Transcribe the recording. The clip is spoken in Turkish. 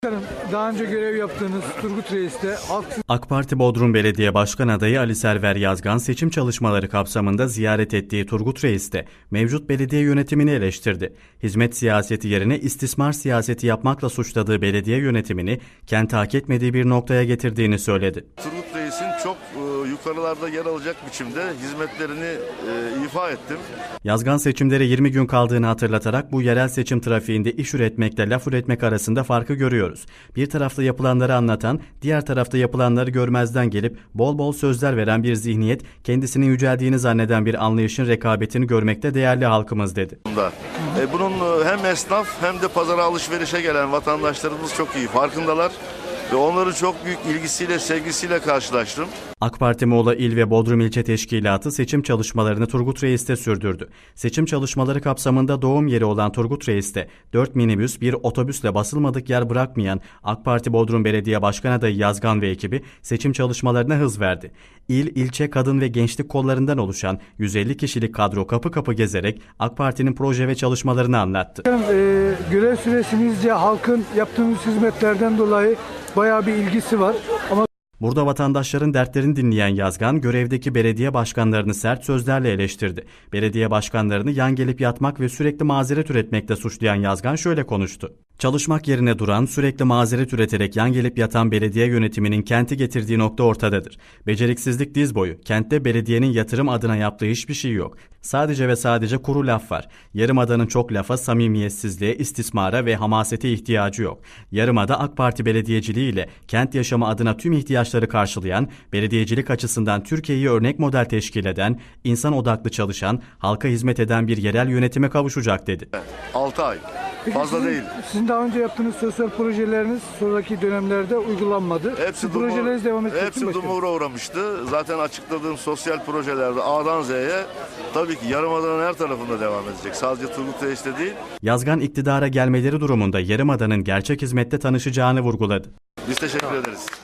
Daha önce görev yaptığınız Turgut Reis'te AK Parti Bodrum Belediye Başkan Adayı Ali Server Yazgan seçim çalışmaları kapsamında ziyaret ettiği Turgut Reis'te mevcut belediye yönetimini eleştirdi. Hizmet siyaseti yerine istismar siyaseti yapmakla suçladığı belediye yönetimini kenti hak etmediği bir noktaya getirdiğini söyledi. Turgut Reis'in çok yukarılarda yer alacak biçimde hizmetlerini ifa ettim. Yazgan seçimlere 20 gün kaldığını hatırlatarak bu yerel seçim trafiğinde iş üretmekle laf üretmek arasında farkı görüyoruz. Bir tarafta yapılanları anlatan, diğer tarafta yapılanları görmezden gelip bol bol sözler veren bir zihniyet, kendisinin yüceldiğini zanneden bir anlayışın rekabetini görmekte değerli halkımız dedi. Bunun hem esnaf hem de pazara alışverişe gelen vatandaşlarımız çok iyi farkındalar. Ve onların çok büyük ilgisiyle, sevgisiyle karşılaştım. AK Parti Muğla İl ve Bodrum İlçe Teşkilatı seçim çalışmalarını Turgut Reis'te sürdürdü. Seçim çalışmaları kapsamında doğum yeri olan Turgut Reis'te 4 minibüs, bir otobüsle basılmadık yer bırakmayan AK Parti Bodrum Belediye Başkan Adayı Yazgan ve ekibi seçim çalışmalarına hız verdi. İl, ilçe, kadın ve gençlik kollarından oluşan 150 kişilik kadro kapı kapı gezerek AK Parti'nin proje ve çalışmalarını anlattı. görev süresinizce halkın yaptığınız hizmetlerden dolayı bayağı bir ilgisi var ama Burada vatandaşların dertlerini dinleyen Yazgan, görevdeki belediye başkanlarını sert sözlerle eleştirdi. Belediye başkanlarını yan gelip yatmak ve sürekli mazeret üretmekle suçlayan Yazgan şöyle konuştu. Çalışmak yerine duran, sürekli mazeret üreterek yan gelip yatan belediye yönetiminin kenti getirdiği nokta ortadadır. Beceriksizlik diz boyu. Kentte belediyenin yatırım adına yaptığı hiçbir şey yok. Sadece ve sadece kuru laf var. Yarımada'nın çok lafa, samimiyetsizliğe, istismara ve hamasete ihtiyacı yok. Yarımada AK Parti belediyeciliği ile kent yaşamı adına tüm ihtiyaçları karşılayan, belediyecilik açısından Türkiye'yi örnek model teşkil eden, insan odaklı çalışan, halka hizmet eden bir yerel yönetime kavuşacak dedi. 6 ay. peki Fazla değil. Sizin daha önce yaptığınız sosyal projeleriniz sonraki dönemlerde uygulanmadı. Hepsi projeleriniz devam edecek mi başkanım? dumura uğramıştı. Zaten açıkladığım sosyal projelerde A'dan Z'ye tabii ki Yarımada'nın her tarafında devam edecek. Sadece Turgut Reis'te değil. Yazgan iktidara gelmeleri durumunda Yarımada'nın gerçek hizmette tanışacağını vurguladı. Biz teşekkür ederiz.